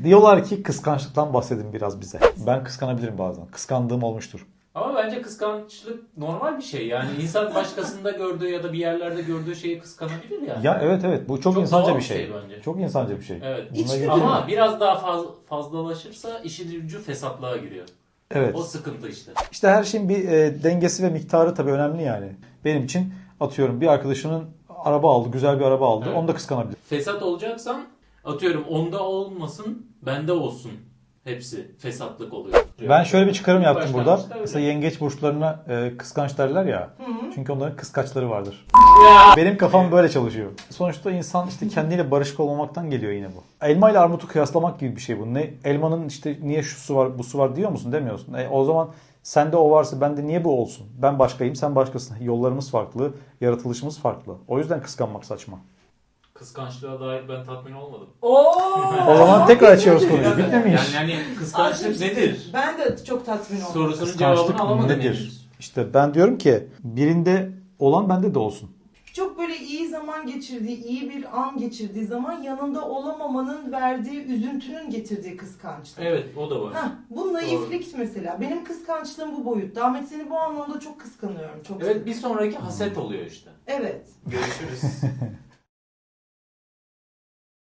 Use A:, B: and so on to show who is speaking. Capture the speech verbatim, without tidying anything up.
A: Diyorlar ki kıskançlıktan bahsedin biraz bize. Ben kıskanabilirim bazen. Kıskandığım olmuştur.
B: Ama bence kıskançlık normal bir şey. Yani insan başkasında gördüğü ya da bir yerlerde gördüğü şeyi kıskanabilir yani.
A: Ya evet evet bu çok,
B: Çok
A: insanca
B: doğal
A: bir
B: bir
A: şey.
B: şey bence.
A: Çok insanca bir şey.
B: Evet.
A: Bununla
C: İçgüdü.
A: ilgili-
B: Ama biraz daha faz, fazlalaşırsa işin ucu fesatlığa giriyor.
A: Evet.
B: O sıkıntı işte.
A: İşte her şeyin bir e, dengesi ve miktarı tabii önemli yani. Benim için atıyorum bir arkadaşının araba aldı, güzel bir araba aldı.
B: Evet.
A: Onu da kıskanabilir.
B: Fesat olacaksan atıyorum onda olmasın, bende olsun. Hepsi fesatlık oluyor.
A: Ben şöyle bir çıkarım yaptım burada.
B: Başlangıçta öyle.
A: Mesela yengeç burçlarına e, kıskanç derler ya.
C: Hı hı.
A: Çünkü onların kıskaçları vardır.
B: Ya.
A: Benim kafam böyle çalışıyor. Sonuçta insan işte kendiyle barışık olmamaktan geliyor yine bu. Elma ile armutu kıyaslamak gibi bir şey bu. Ne elmanın işte niye şu su var, bu su var diyor musun, demiyorsun. E, o zaman sende o varsa bende niye bu olsun? Ben başkayım, sen başkasın. Yollarımız farklı, yaratılışımız farklı. O yüzden kıskanmak saçma.
B: Kıskançlığa dair ben tatmin olmadım.
C: Oo.
A: O zaman tekrar açıyoruz konuyu. Bitmemiş.
B: Yani, yani kıskançlık nedir?
C: Ben de çok tatmin oldum.
B: Sorusunun
A: Kıskançlık
B: cevabını alamadım
A: nedir?
B: henüz.
A: İşte ben diyorum ki birinde olan bende de olsun.
C: Çok böyle iyi zaman geçirdiği, iyi bir an geçirdiği zaman yanında olamamanın verdiği üzüntünün getirdiği kıskançlık.
B: Evet, o da var.
C: Heh, bu naiflik mesela. Benim kıskançlığım bu boyutta. Ahmet, seni bu anlamda çok kıskanıyorum. Çok
B: Evet, bir sonraki haset oluyor işte.
C: Evet.
B: Görüşürüz.